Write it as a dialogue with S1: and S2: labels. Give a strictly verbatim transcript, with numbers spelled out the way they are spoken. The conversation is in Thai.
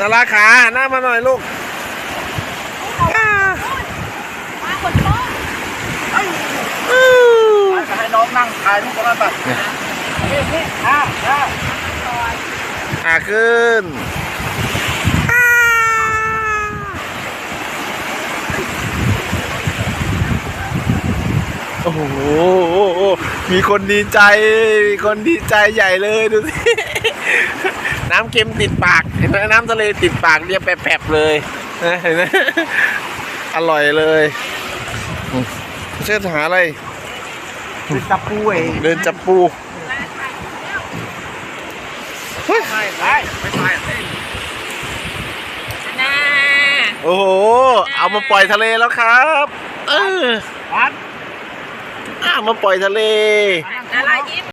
S1: ราขาหน้ามาหน่อยลูก
S2: มาคนโต
S3: ให้น้องนั่งถ่ายรูปกันไปนี่นี่อ่าอ่า
S1: อ่าขึ้นโอ้โหมีคนดีใจมีคนดีใจใหญ่เลยดูสิน้ำเค็มติดปากเห็นไหมน้ำทะเลติดปากเรียบแผลบเลยเห็นไหมอร่อยเลยเชื่อหาอะไร
S3: เดินจับปูเอง
S1: เดินจับปู
S3: ไม่ใช่ไม่ใช่
S2: น่า
S1: โอ้โหเอามาปล่อยทะเลแล้วครับเออ
S3: วัด
S1: อ่ามาปล่อยทะเล
S2: อะไรยิ้ม